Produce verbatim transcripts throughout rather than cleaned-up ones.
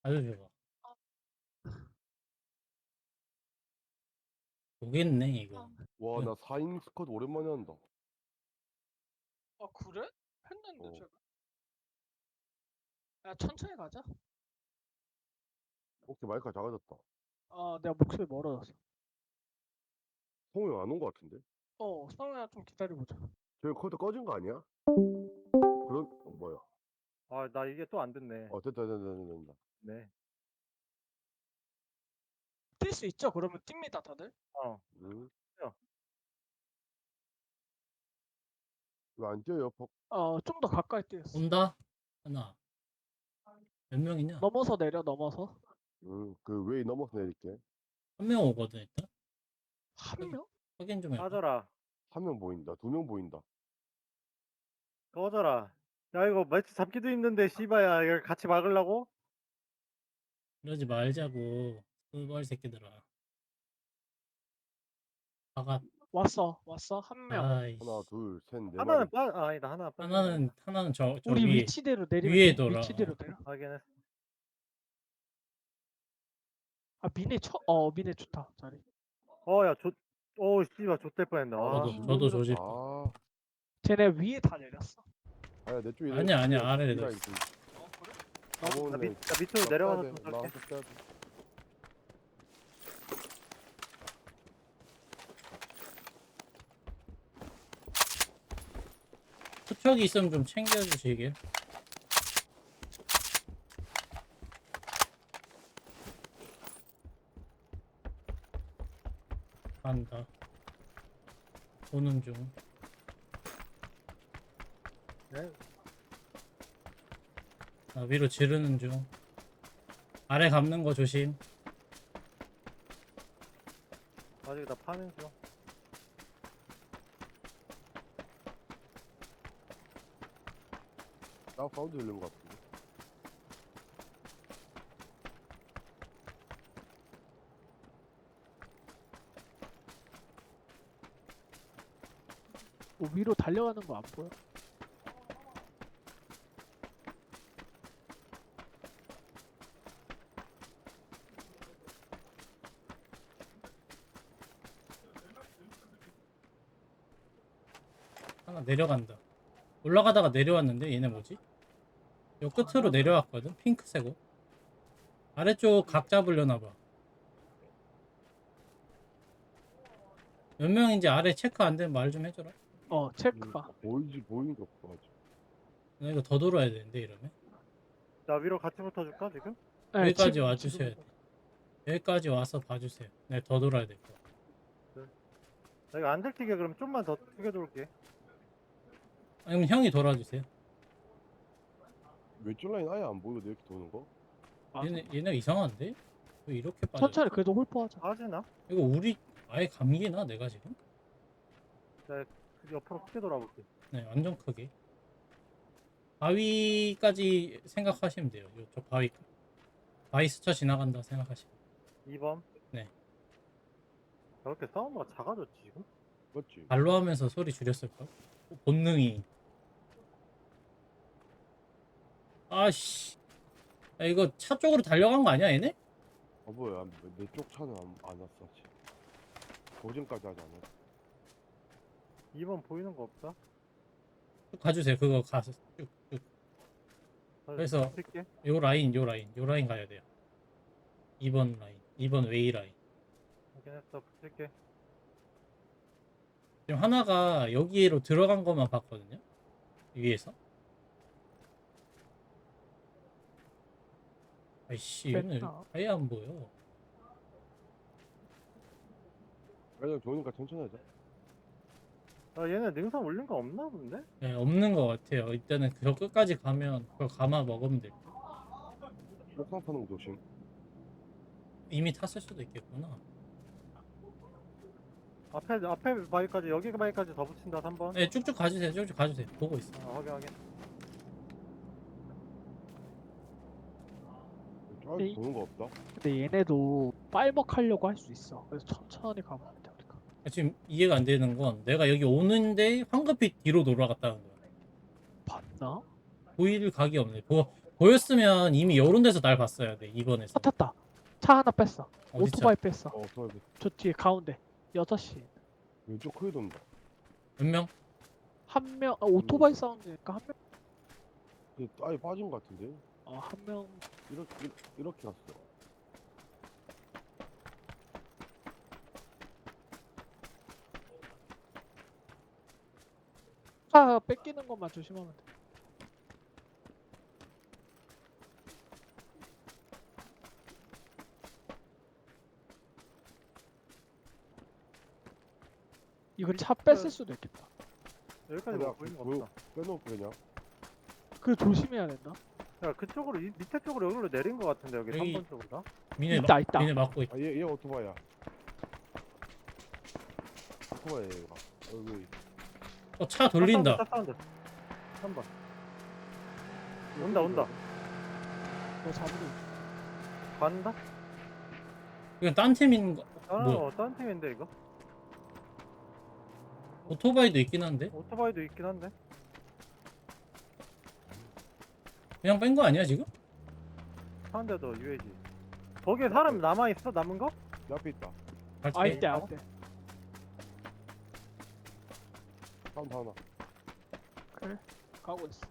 아주 좋아. 보겠네 이거. 와, 나 사 인 스쿼드 오랜만에 한다. 아 그래? 했는데 어. 제가. 야 천천히 가자. 혹시 마이크가 작아졌다. 아 내가 목소리 멀어졌어. 성우 형 안 온 것 같은데? 어 성우야 좀 기다려보자. 저기 컴퓨터 꺼진 거 아니야? 그런, 어, 뭐야? 아, 나 이게 또 안 됐네. 어, 됐다, 됐다, 됐다, 됐다. 네. 뛸 수 있죠? 그러면 뜁니다 다들. 어. 응? 야. 왜 안 뛰어요? 퍽. 어좀 더 가까이 뛰었어. 온다. 하나. 몇 명이냐? 넘어서 내려 넘어서. 응, 그 웨이 넘어서 내릴게. 한 명 오거든 일단. 한 명? 확인 좀 해봐. 꺼져라. 한 명 보인다. 두 명 보인다. 꺼져라. 야, 이거 매치 잡기도 힘든데, 씨바야. 이걸 같이 막으려고? 이러지 말자고. 스벌 새끼들아. 아가. 왔어 왔어 한 명. 아이씨. 하나, 둘, 셋, 네 하나는 마리. 빠, 아, 아니다. 하나 빠. 하나는 하나는 저, 저 우리 위에. 위치대로 내리면 위에 돼. 돌아. 위치대로 내려. 확인했어. 아 미네 쳐어 미네 좋다 자리. 어, 야, 조, 오, 씨발, 좆될 뻔했네. 아, 저도 저도 조질 거. 아, 쟤네 위에 다 내렸어. 아야, 내 쪽에. 아니야, 아니야, 아래에 나 있어. 어 그래? 나, 밑, 나 밑으로 내려가서 좀 나 쏠게. 빼야 돼. 투척이 있으면 좀 챙겨주시길. 간다. 보는 중. 네. 나 위로 지르는 중. 아래 감는 거 조심. 아직 나 파는 중. 나 사운드 들린 것 같은데. 뭐 위로 달려가는 거 안 보여? 하나 내려간다. 올라가다가 내려왔는데 얘네 뭐지? 요 끝으로 내려왔거든. 핑크색 옷. 아래쪽 각 잡으려나 봐. 몇 명인지 아래 체크 안 되면 말 좀 해줘라. 어 체크가. 음, 보이지, 보이는 게 없어. 아직. 나 이거 더 돌아야 되는데 이러면. 나 위로 같이 붙어줄까, 지금? 네, 여기까지 지금- 와주셔야 돼. 지금- 여기까지 와서 봐주세요. 네, 더 돌아야 될 거야. 나 이거 안 들키게 그럼 좀만 더 크게 돌게. 아니면 형이 돌아주세요. 왼쪽 라인 아예 안 보이거든, 이렇게 도는 거. 아, 얘네 얘네 이상한데? 왜 이렇게 빠져? 천천히 그래도 홀포하자. 빠지나? 이거 우리 아예 감기나 내가 지금? 나 옆으로 크게 돌아볼게. 네, 완전 크게. 바위까지 생각하시면 돼요. 요, 저 바위. 바위 스쳐 지나간다 생각하시면. 이 번. 네. 저렇게 사운드가 작아졌지, 지금? 맞지? 발로 하면서 소리 줄였을까? 본능이. 아씨. 야, 이거 차 쪽으로 달려간 거 아니야, 얘네? 아, 뭐야. 내 쪽 차는 안, 안 왔어, 아직. 고정까지 하지 않았어. 이 번 보이는 거 없다? 쭉 가주세요. 그거 가서 쭉, 쭉. 나 그래서- 붙일게. 요 라인, 요 라인, 요 라인 가야 돼요. 이 번 라인, 이 번 웨이 라인. 확인했어, 붙일게. 지금 하나가 여기로 들어간 것만 봤거든요. 위에서. 아이씨, 얘는 됐다. 아예 안 보여. 그냥 좋으니까 천천히 하자. 아, 얘네 능선 올린 거 없나 본데? 네, 없는 것 같아요. 일단은 저 끝까지 가면 그걸 감아 먹으면 될 거. 옥상 타는 거 조심. 이미 탔을 수도 있겠구나. 앞에, 앞에 바위까지, 여기 바위까지 더 붙인다, 삼 번. 네, 쭉쭉 가주세요. 쭉쭉 가주세요. 보고 있어. 아, 확인, 확인. 쫙 네. 도는 거 없다. 근데 얘네도 빨먹하려고 할 수 있어. 그래서 천천히 가면 돼 우리가. 지금 이해가 안 되는 건 내가 여기 오는데 황급히 뒤로 돌아갔다는 거야. 봤나? 보일 각이 없네. 보, 보였으면 이미 요런 데서 날 봤어야 돼 이번에서. 차 탔다. 차 하나 뺐어. 어디 오토바이 뺐어. 어 좋아야 돼. 저 뒤에 가운데 여섯 시. 왼쪽 크게 돈다. 몇 명? 한 명, 아, 오토바이 사운드니까 한 명. 근데 아예 빠진 것 같은데. 어, 한 명. 이렇게 이렇게, 이렇게 갔어. 차 뺏기는 것만 조심하면 돼. 이거 차 뺐을 수도 있겠다. 여기까지 내가 뭐 보이는 거 보여- 없어. 빼놓고 그냥. 그래 조심해야 된다. 야 그쪽으로 이, 밑에 쪽으로 여기로 내린 거 같은데 여기 여기- 삼 번 쪽으로. 미네 있다, 막- 있다. 미네 막고 있다. 아얘얘 오토바이야. 오토바이 얘가. 여기. 어, 차 돌린다. 차 사운드. 삼 번. 온다 온다. 너 잡으러. 간다? 이건 딴 팀인 거. 아, 뭐야? 어떤 팀인데 이거? 오토바이도 있긴 한데 오토바이도 있긴 한데. 그냥 뺀 거 아니야 지금? 상대도 유에이지. 거기에 사람 남아 있어? 남은 거? 내 앞에 있다. 같이 아 빼. 이때 안 돼. 사운드 하나. 그래. 가고 있어.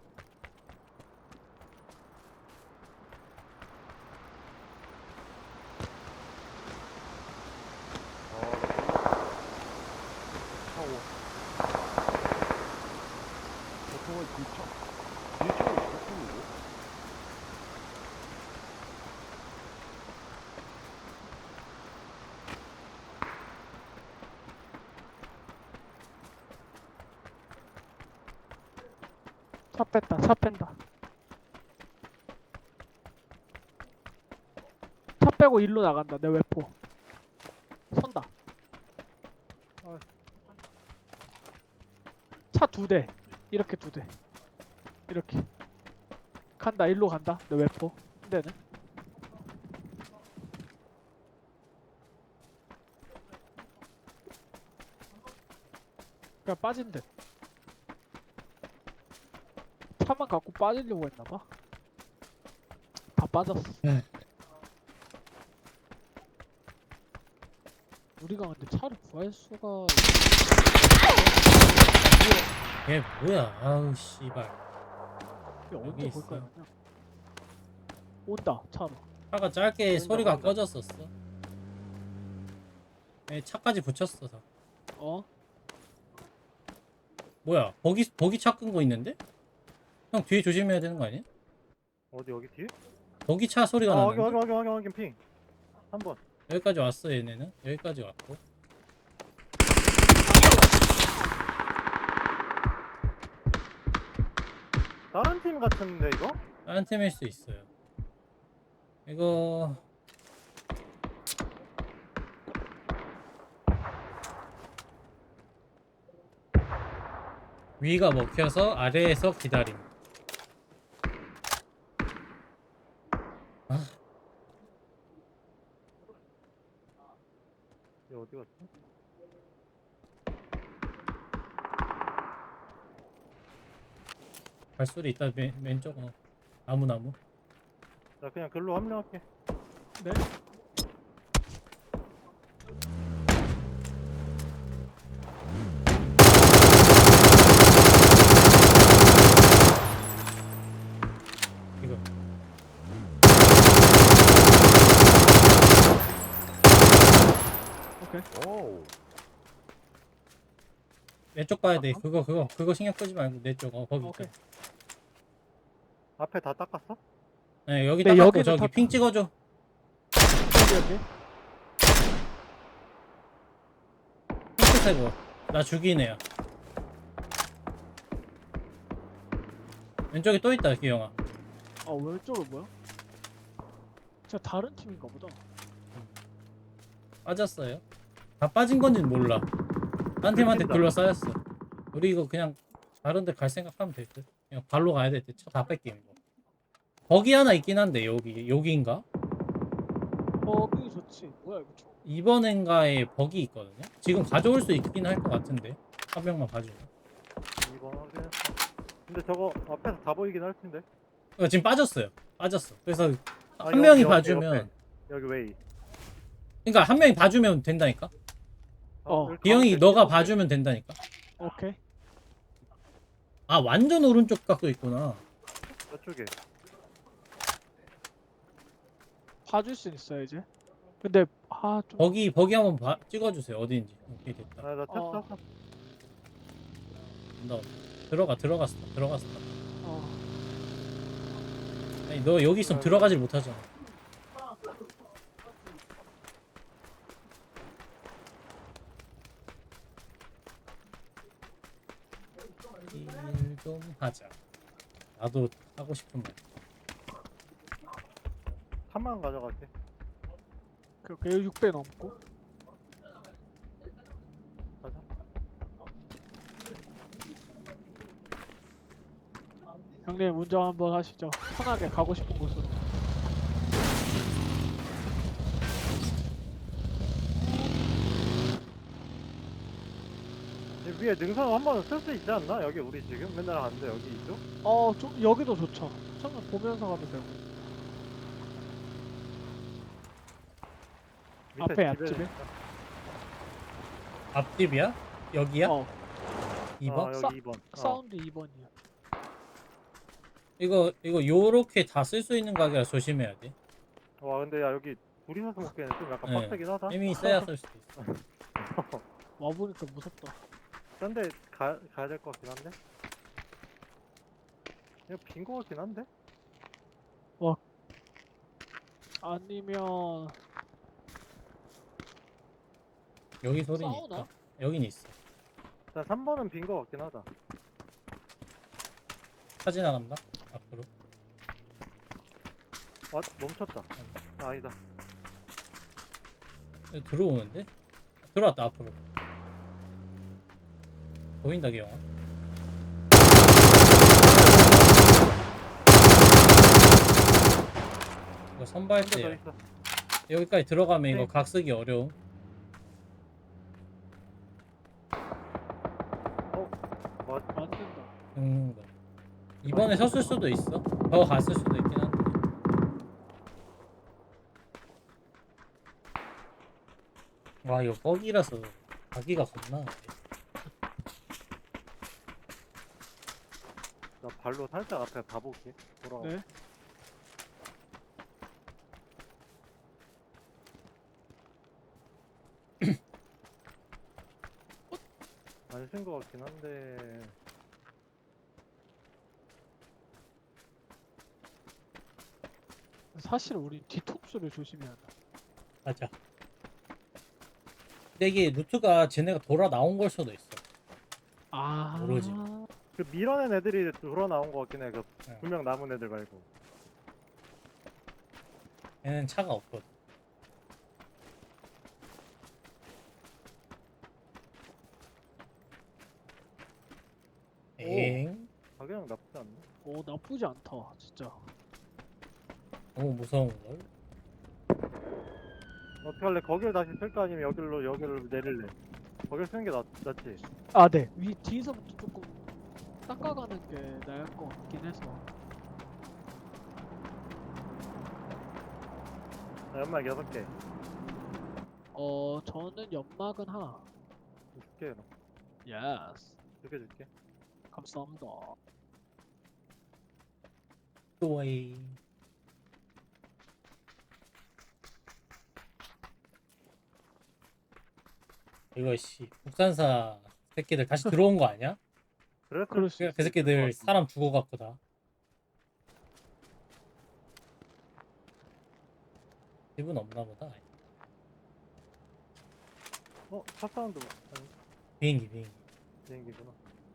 차고. 오토바이 뒤차. 뒤에 차가 있었는데. 차 뺐다. 차 뺀다. 차 빼고 일로 나간다. 내 외포. 선다. 아. 차 두 대. 이렇게 두 대. 이렇게. 간다. 일로 간다. 내 외포. 한 대는. 그냥 빠진 듯. 차만 갖고 빠지려고 했나봐. 다 빠졌어. 네. 우리가 근데 차를 구할 수가 얘 뭐야? 아우 씨발. 이게 여기 언제 있어. 볼까요? 그냥. 온다 차로. 차가 짧게 보인다, 소리가 보인다. 꺼졌었어. 얘 차까지 붙였어. 다. 어? 뭐야? 버기 버기 차 끈 거 있는데? 형 뒤에 조심해야 되는 거 아니야? 어디 여기 뒤에? 버기 차 소리가 아 확인 나는데? 확인 확인 확인 확인 핑. 한 번. 여기까지 왔어 얘네는. 여기까지 왔고. 다른 팀 같은데 이거? 다른 팀일 수 있어요. 이거 위가 먹혀서 아래에서 기다림. 얘 어디 갔지? 발소리 있다. 맨, 왼쪽 어. 나무 나무. 나 그냥 글로 합류할게. 네? 이거 오케이. 오우. 내 쪽 봐야 돼. 그거 그거 그거 신경 쓰지 말고 내 쪽. 어 거기. 오케이. 있다. 앞에 다 닦았어? 네 여기 네, 딱 갖고 여기는 저기 다- 핑 찍어줘. 여기 여기. 핑크색 옷. 나 죽이네요. 왼쪽에 또 있다 기영아. 아 왼쪽은 뭐야? 진짜 다른 팀인가 보다. 빠졌어요. 다 빠진 건지는 몰라. 딴 팀한테 뺏긴다. 둘러싸였어. 우리 이거 그냥 다른 데 갈 생각하면 될 듯. 그냥 발로 가야 될 듯. 차 다 뺏기는 거. 거기 하나 있긴 한데 여기 여기인가? 어 그게 좋지. 뭐야 이거 총. 이번엔가에 버기 있거든요. 지금 가져올 수 있긴 할 것 같은데 한 명만 봐주면. 이번 확인했어. 근데 저거 앞에서 다 보이긴 할 텐데. 어, 지금 빠졌어요. 빠졌어. 그래서 아, 한 여기, 명이 옆에, 봐주면 옆에. 여기 웨이. 그러니까 한 명이 봐주면 된다니까. 어. 여기 기영이 가운데 너가 일곱 개. 봐주면 된다니까. 오케이. 아 완전 오른쪽 각도 있구나. 저쪽에. 봐줄 수 있어 이제. 근데 아 좀. 거기 거기 한번 봐, 찍어주세요. 어디인지. 오케이 됐다. 아, 나 탔어. 어. 탔어. 온다, 온다. 들어가 들어갔어 들어갔어. 어. 아니 너 여기 있으면 들어가질 못하잖아. 일 좀 하자. 나도 하고 싶은 말. 삼만 가져갈게. 그렇게 육 배 넘고. 가자. 형님 운전 한번 하시죠. 편하게 가고 싶은 곳으로. 여기 위에 능선 한 번은 쓸 수 있지 않나? 여기 우리 지금 맨날 가는데 여기 이쪽? 어, 좀 여기도 좋죠. 처음에 보면서 가도 되고. 밑에 앞에 집에 앞집에? 있다. 앞집이야? 여기야? 어, 이 번? 어, 싸- 여기 이 번. 어. 사운드 이 번이야. 이거 이거 요렇게 다 쓸 수 있는 가게라 조심해야 돼. 와 근데 야 여기 둘이서 먹기에는 좀 약간 네. 빡세긴 하다. 힘이 세야 쓸 수도 있어. 와보니까 무섭다. 딴데 가, 가야 될 것 같긴 한데? 이거 빈 거 같긴 한데? 아니면 여기 소리는 싸우나? 있다. 여긴 있어. 자 삼 번은 빈 거 같긴 하다. 차 지나간다. 앞으로. 와 멈췄다. 아, 아니다. 여기 들어오는데? 들어왔다 앞으로. 보인다 기영아. 이거 선발 한대 더 때 있어. 여기까지 들어가면 이거 네. 각 쓰기 어려움. 뭐 안 된다. 긁는 거. 이번에 섰을 수도 있어. 더 갔을 수도 있긴 한데. 와 이거 뻑이라서 가기가 겁나. 안 돼. 나 발로 살짝 앞에 봐볼게. 돌아가. 네. 안쓴 거 같긴 한데. 사실 우리 뒤통수를 조심해야 돼. 맞아. 근데 이게 루트가 쟤네가 돌아 나온 걸 수도 있어. 아. 모르지. 그 밀어낸 애들이 돌아 나온 거 같긴 해. 그 네. 분명 남은 애들 말고. 얘는 차가 없거든. 엥? 가격은 나쁘지 않네. 오 나쁘지 않다 진짜. 너무 무서운 걸. 어떻게 할래? 거길 다시 쓸까 아니면 여기로 여기를 내릴래? 거길 쓰는 게 낫, 낫지. 아 네. 위 뒤에서부터 조금 닦아가는 게 나을 것 같긴 해서. 나 연막 여섯 개. 어 저는 연막은 하나. 줄게. 그럼. 예스. 두개 줄게. 감사합니다. 또이. 이거 씨 국산사 새끼들 다시 들어온 거 아니야? 그랬을 그럴 수 수도 있어. 그 새끼들 있을 것 같은데. 사람 죽어갖고 다. 집은 없나 보다. 어? 차 사운드 아니 비행기 비행기. 비행기구나.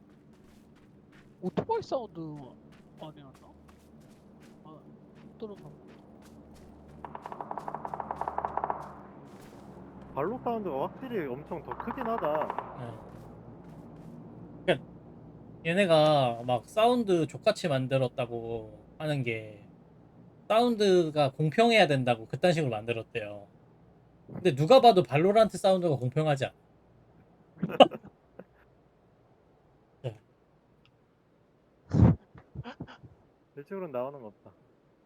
오토바이 사운드 아니었나? 아 들었나? 발로 사운드가 확실히 엄청 더 크긴 하다. 예. 그러니까 얘네가 막 사운드 족같이 만들었다고 하는 게 사운드가 공평해야 된다고 그딴 식으로 만들었대요. 근데 누가 봐도 발로란트 사운드가 공평하지 않아. 네. 이쪽으로 나오는 거 없다.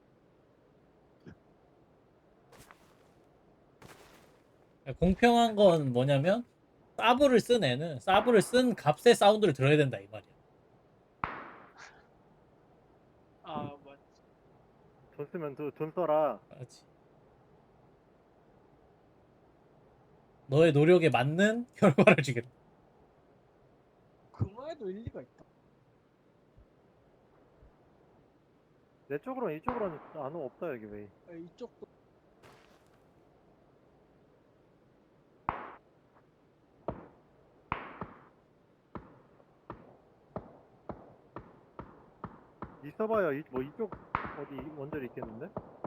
공평한 건 뭐냐면 사브를 쓴 애는 사브를 쓴 값의 사운드를 들어야 된다 이 말이야. 아 맞. 돈 쓰면 돈, 돈 써라. 그렇지. 너의 노력에 맞는 결과를 주겠다. 그 말에도 일리가 있다. 내 쪽으로는 이쪽으로는 안 오- 없다 여기 왜? 아, 이쪽도 있어봐요. 이, 뭐 이쪽 어디 원절이 있겠는데?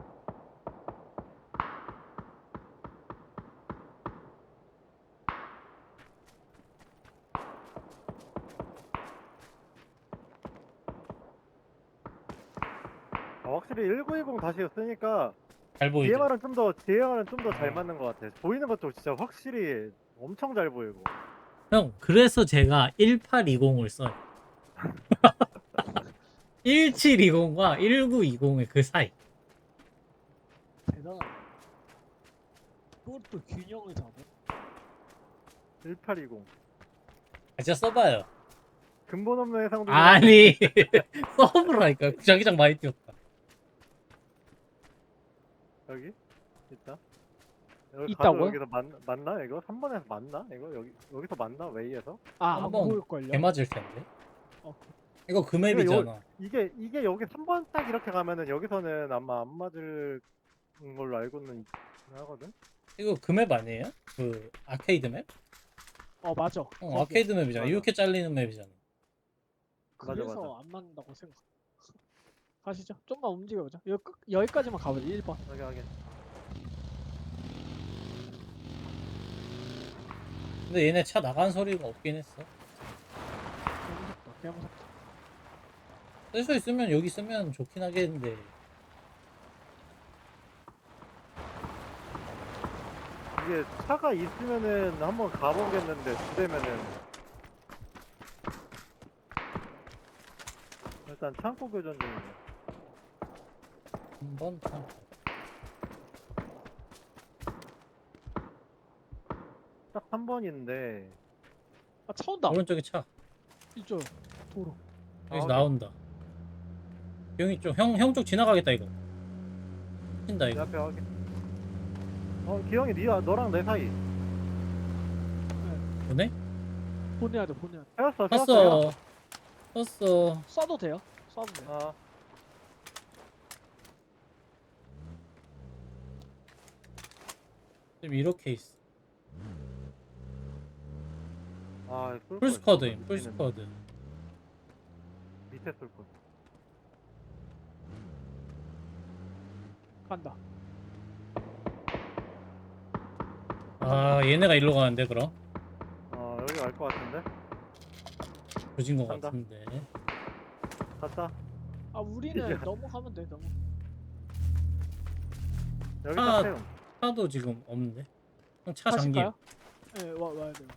아, 확실히 일구이공 다시 쓰니까 잘 보이지? 디엠알은 좀 더 디엠알은 좀 더 잘 맞는 것 같아. 보이는 것도 진짜 확실히 엄청 잘 보이고. 형, 그래서 제가 일팔이공을 써요. 일칠이공과 일구이공의 그 사이. 대단하다. 그것도 균형을 잡아. 일팔이공 아, 진짜 써봐요. 근본 없는 해상도. 아니, 써보라니까. 자기장 많이 띄웠다. 여기 있다. 여기 있다고요? 가도 여기서 맞, 맞나 이거? 삼 번에서 맞나 이거? 여기 여기서 맞나 웨이에서? 아, 안 한번 보일걸요? 개 맞을 텐데. 어. 이거 그 맵이잖아. 이게 이게 여기 삼 번 딱 이렇게 가면은 여기서는 아마 안 맞을 걸로 알고는 있긴 하거든. 이거 그 맵 아니에요? 그 아케이드 맵? 어 맞아. 어, 거기. 아케이드 맵이잖아. 맞아. 이렇게 잘리는 맵이잖아. 맞아, 그래서 맞아. 안 맞는다고 생각. 가시죠. 좀만 움직여보자. 여기 끝, 여기까지만 가보자. 일 번. 여기 여기. 근데 얘네 차 나간 소리가 없긴 했어. 개 무섭다. 개 무섭다. 쓸 수 있으면 여기 쓰면 좋긴 하겠는데. 이게 차가 있으면은 한번 가보겠는데 두 대면은 일단 창고 교전 중이네. 한번 참. 딱 삼 번인데 아 차 온다. 오른쪽에 차. 이쪽 도로. 여기서 아, 나온다. 형이 쪽, 형, 형 쪽 지나가겠다 이거. 친다 내 이거. 앞에 확인. 어 기영이 니와 너랑 내 사이. 보네? 보내야 돼. 보내야 돼. 세웠어 세웠어. 떴어. 떴어. 쏴도 돼요? 쏴도 돼. 아 지금 이렇게 있어. 아, 쏠 풀 걸. 스쿼드임. 풀 밑에는 스쿼드. 밑에 쏠 걸. 간다. 아, 얘네가 일로 가는데 그럼? 어 여기 갈 것 같은데. 조진 것 간다. 같은데. 갔다. 아 우리는 이제- 넘어가면 돼. 넘어. 여기 아, 딱 세움. 차도 지금 없는데. 형 차 잠김. 가실까요? 네, 와 와야 돼요.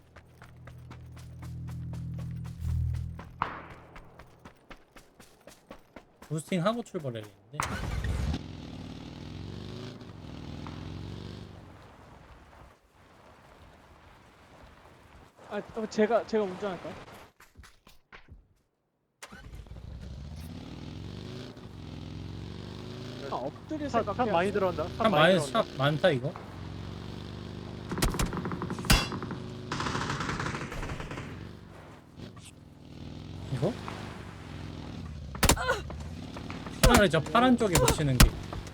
부스팅 하고 출발해야겠는데. 아 어, 제가 제가 운전할까요? 아 엎드릴 차, 생각해. 차 많이 들어온다. 차 차 많이 들어온다. 차 많다 이거. 이거? 차라리 저 파란 쪽에 붙이는 게.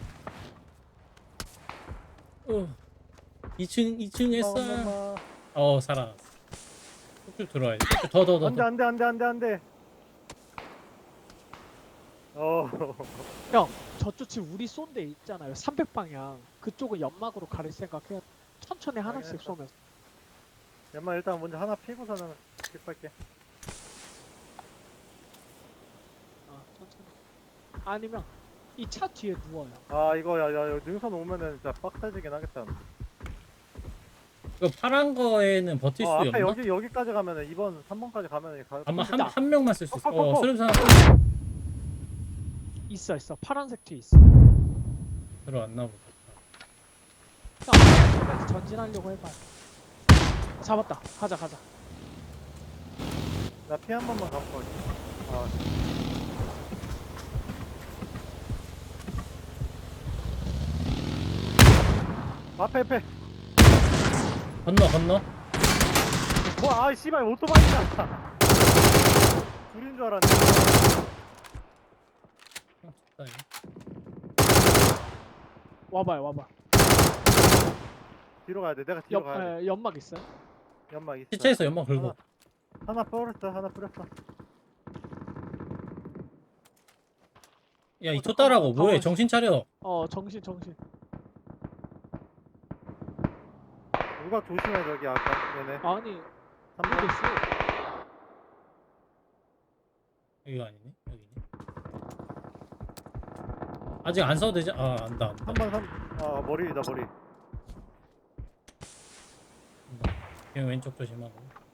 어. 이 층 이 층에 엄마, 쏴. 엄마. 어 살아났어. 쭉 들어와야 돼. 더 더 더 안돼 더. 안돼 안돼 안돼 안돼. 어. 형 저쪽 지금 우리 쏜 데 있잖아요. 삼백 방향. 그쪽은 연막으로 가릴 생각해. 천천히 하나씩 알겠어. 쏘면서. 엄마 일단 먼저 하나 피고서는 킵할게. 아 천천히. 아니면 이 차 뒤에 누워요. 아 이거 야야 능선 오면은 진짜 빡세지긴 하겠다. 이거 파란 거에는 버틸 어 수 앞에 없나? 여기 여기까지 가면은 이 번 삼 번까지 가면은 가. 아마 한 있다. 한 명만 쓸 수 있어. 어, 어, 어, 어. 수렴사. 있어 있어. 파란색 뒤 있어. 들어왔나 보다. 형, 전진하려고 해봐. 잡았다. 가자 가자. 나 피 한 번만 감고 갈게. 아, 앞에 앞에. 건너 건너. 뭐, 아, 씨발 오토바이다. 둘인 줄 알았네. 어, 좋다, 이거. 와봐요 와봐. 뒤로 가야 돼. 내가 뒤로 옆 가야 돼. 에, 연막 있어요? 연막 있어. 시체에서 연막 긁어. 하나, 하나 뿌렸어. 하나 뿌렸어. 야, 이 어, 쫓따라고 잠깐만, 뭐해? 가만히 정신 차려. 어 정신 정신. 누가 조심해 저기 아까 얘네. 아니 삼 번. 모르겠어. 여기가 아니네. 여기네. 아직 안 써도 되지? 아, 안다, 안다. 삼 번 삼. 아 머리다 머리. 안다. 그냥 왼쪽 조심하고.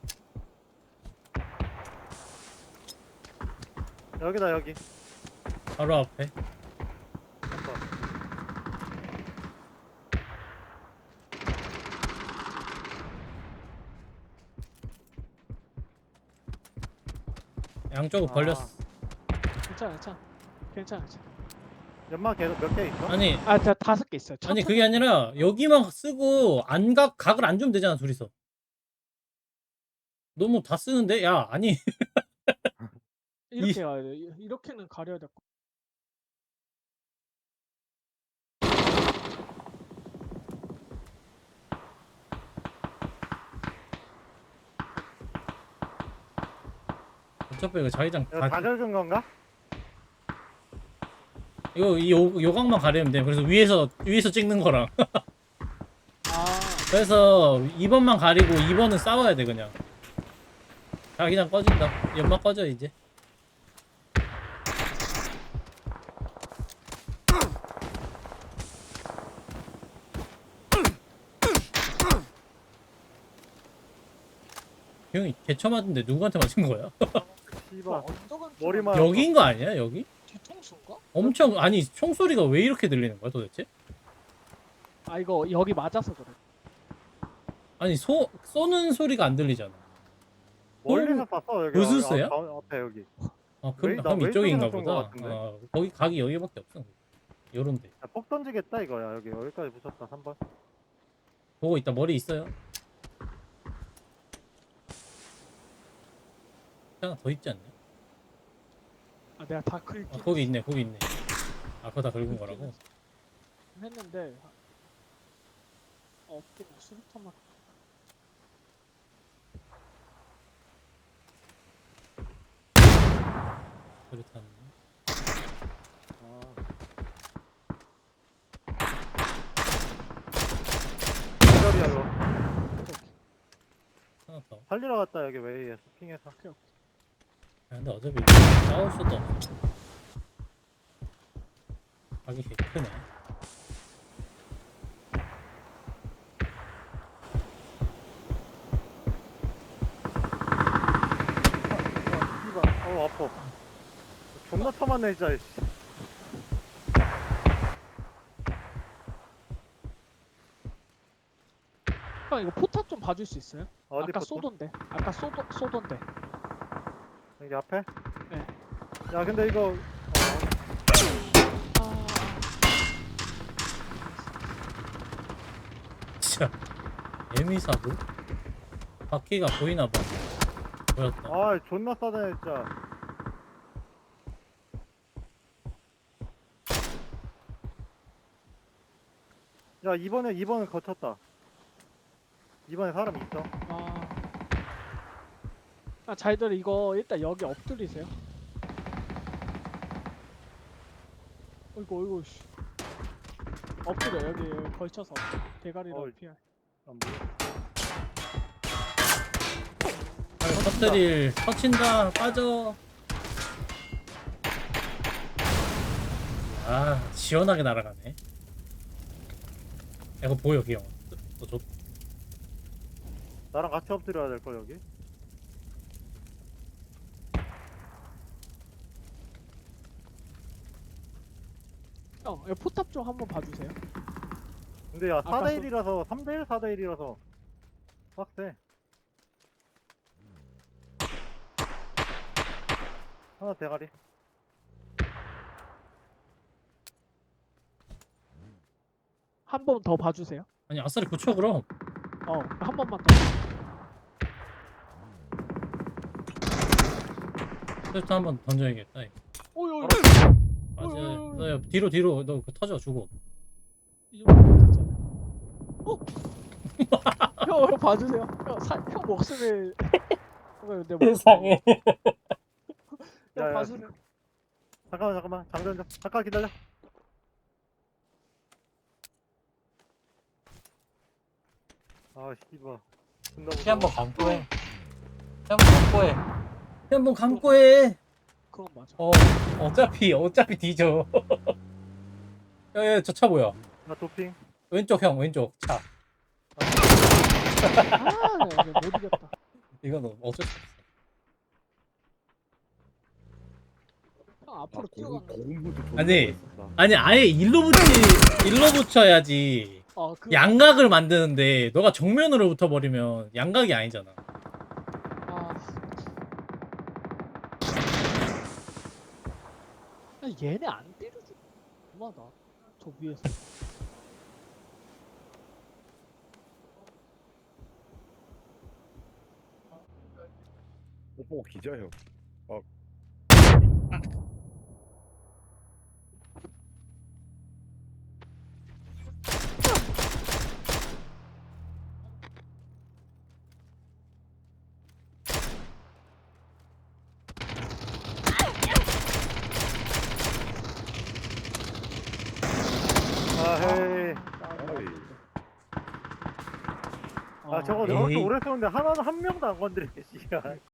여기다 여기. 바로 앞에. 삼 번. 양쪽을 아. 벌렸어. 괜찮아 괜찮아. 괜찮아 괜찮아. 연막 계속 몇 개 있어? 아니, 아 다, 다섯 개 있어요. 아니 천천히. 그게 아니라 여기만 쓰고 안각 각을 안 주면 되잖아, 둘이서. 너무 다 쓰는데? 야, 아니. 이렇게 가야 돼. 이- 이렇게는 가려야 될 거. 어차피 이거 자기장 이거 다 다 긁은 건가? 이거 이 요, 요각만 가리면 돼. 그래서 위에서 위에서 찍는 거랑. 아 그래서 이 번만 가리고 이 번은 싸워야 돼 그냥. 자기장 꺼진다. 연막 꺼져 이제. 형이 개쳐 맞은데 누구한테 맞은 거야? 씨발. 언덕은 머리만- 여기인 거 아니야 여기? 뒤통수인가? 엄청 아니 총소리가 왜 이렇게 들리는 거야 도대체? 아 이거 여기 맞아서 그래. 아니 소 쏘는 소리가 안 들리잖아. 멀리서 봤어 여기. 무슨수야? 아, 가- 앞에 여기. 아 그럼, 웨이- 나 그럼 이쪽인가 왼쪽에서 쏜거 보다. 같은데? 어, 거기 각이 여기밖에 없어. 요런데 야, 폭 던지겠다 이거야 여기. 여기까지 붙였다 삼 번. 보고 있다. 머리 있어요. 하나 더 있지 않냐? 아 내가 다 긁긴 아 거기 있네 거기 있네. 아 그거 다 긁은 거라고? 했는데 어, 없긴 해. 수류탄만. 그렇다는. 아. 기절이야 이거. 하나 더. 살리러 갔다 여기 웨이에서 핑해서. 오케이 오케이. 아, 근데 어차피 싸울 수도 없어. 각이 개 크네. 아, 씨발. 어 아파. 존나 터만네 진짜. 씨. 형 이거 포탑 좀 봐줄 수 있어요? 어디 아까 붙어? 쏘던데. 아까 쏘던 쏘던데. 여기 앞에? 네. 야 근데 이거 어, 아 진짜 에미사도? 바퀴가 보이나 봐. 보였다. 아 존나 싸네 진짜. 야 이번에 이번은 거쳤다. 이번에 사람 있어. 아. 아 잘들 이거 일단 여기 엎드리세요. 어이구 어이구 씨. 엎드려 여기, 여기 걸쳐서 대가리로 어이. 피할. 안 보여. 터뜨릴 터친다. 빠져. 아 시원하게 날아가네. 야, 이거 보여 기영. 너 저, 나랑 같이 엎드려야 될 걸 여기. 형, 여기 포탑 쪽 한번 봐주세요. 근데 야 아까 사 대 일이라서 삼 대 일, 사 대 일이라서 빡세. 하나 대가리. 한 번 더 봐주세요. 아니 아싸리 붙여 그럼. 어, 한 번만 더. 세트 한번 던져야겠다. 이거. 오이 오이. 아, 어이, 어이, 저, 어이. 너, 뒤로 뒤로 너 그 터져 주고. 이 정도 됐잖아요. 어? 형, 형 봐주세요. 형, 사, 형 목숨을. 형, 내 목숨. 세상에. 야, 야. 형 봐주세요. 잠깐만 잠깐만 장전 좀. 잠깐 기다려. 아 씨발. 존나 피 한번 무서워. 감고 해. 피 한번 감고 해. 피 한번 감고 해. 그건 맞아. 어 어차피 어차피 뒤져. 야야 저 차 뭐야? 나 도핑. 왼쪽 형 왼쪽 차. 아, 네, 못 이겼다. 이건 어쩔 수 없어. 형 아, 앞으로 고급, 뛰어간다. 고급무도 존나 아니. 멋있었다. 아니 아예 일로 붙이 일로 붙여야지. 어, 그. 양각을 만드는데 너가 정면으로 붙어버리면 양각이 아니잖아. 아. 야, 얘네 안 때려줘. 그만하다. 저 위에서. 뽀뽀 기자 형. 아 헤이. 어이. 아 저거 아, 저렇게 에이. 오래 쏘는데 하나는 한 명도 안 건드리네 씨발.